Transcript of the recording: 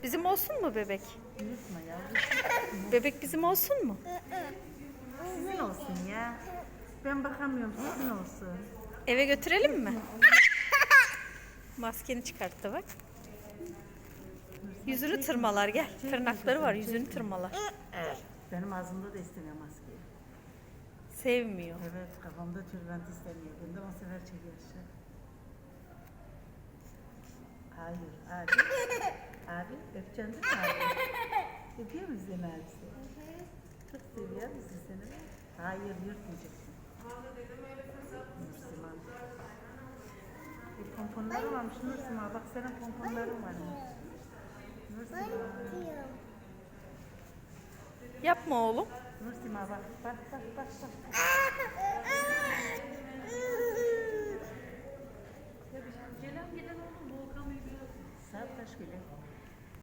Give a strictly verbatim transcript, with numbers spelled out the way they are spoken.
Bizim olsun mu bebek? Unutma yavrum. Bebek bizim olsun mu? Sizin olsun ya. Ben bakamıyorum, sizin olsun. Eve götürelim mi? Maskeni çıkarttı bak. Yüzünü tırmalar gel. Tırnakları var, yüzünü tırmalar. Benim ağzımda da istemiyor maskeyi. Sevmiyor. Evet, kafamda tülbent istemiyor. Bundan o sefer çekiyor aşağı. Hayır, abi. Abi, öpeceksin değil mi abi? Öpüyor musun seni abisi? Çok seviyor musun seni? Hayır, yırtmayacaksın. Nursima. Bir pomponları varmış Nursima. Bak senin pomponların varmış. Nursima. Yapma oğlum. Nursima bak, bak, bak, bak, bak. Saat kaç bile?